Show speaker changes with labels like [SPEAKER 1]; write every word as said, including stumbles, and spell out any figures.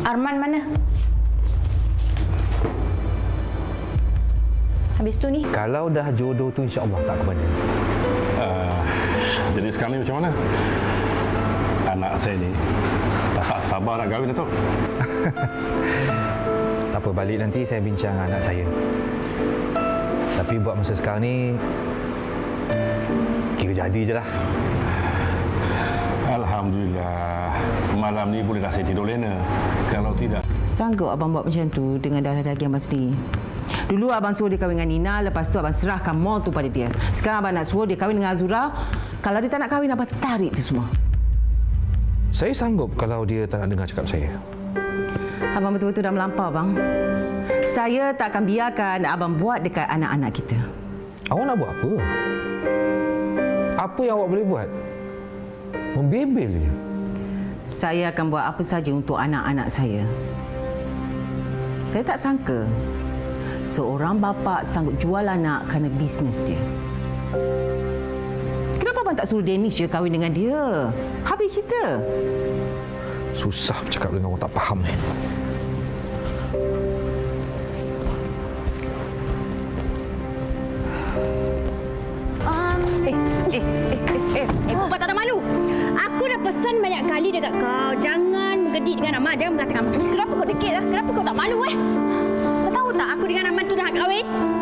[SPEAKER 1] Arman mana? Habis tu ni?
[SPEAKER 2] Kalau dah jodoh tu insya-Allah tak ke mana.
[SPEAKER 3] Uh, jadi sekarang ni macam mana? Anak saya ni dah tak sabar nak kahwin, Datuk.
[SPEAKER 2] Tak apa, balik nanti saya bincang dengan anak saya. Tapi buat masa sekarang ni kira jadi je lah.
[SPEAKER 3] Alhamdulillah. Malam ni boleh dah saya tidur lena. Kalau tidak...
[SPEAKER 4] Sanggup abang buat macam tu dengan darah daging abang sendiri? Dulu abang suruh dia kahwin dengan Nina, lepas tu abang serahkan mall tu pada dia. Sekarang abang nak suruh dia kahwin dengan Azura. Kalau dia tak nak kahwin, abang tarik tu semua.
[SPEAKER 2] Saya sanggup kalau dia tak nak dengar cakap saya.
[SPEAKER 4] Abang betul-betul dah melampau, bang. Saya tak akan biarkan abang buat dekat anak-anak kita.
[SPEAKER 2] Awak nak buat apa? Apa yang awak boleh buat? Membebel je.
[SPEAKER 4] Saya akan buat apa saja untuk anak-anak saya. Saya tak sangka seorang bapa sanggup jual anak kerana bisnes dia. Kenapa abang tak suruh Danish je kahwin dengan dia? Habis kita.
[SPEAKER 2] Susah bercakap dengan orang tak faham ni.
[SPEAKER 1] Eh, eh, eh, eh, eh, eh, Pupa tak ada malu. Aku dah pesan banyak kali dekat kau, jangan bergedik dengan Aman, jangan mengatakan Aman. Kenapa kau degil lah? Kenapa kau tak malu eh? Kau tahu tak aku dengan Aman tu dah nak kahwin?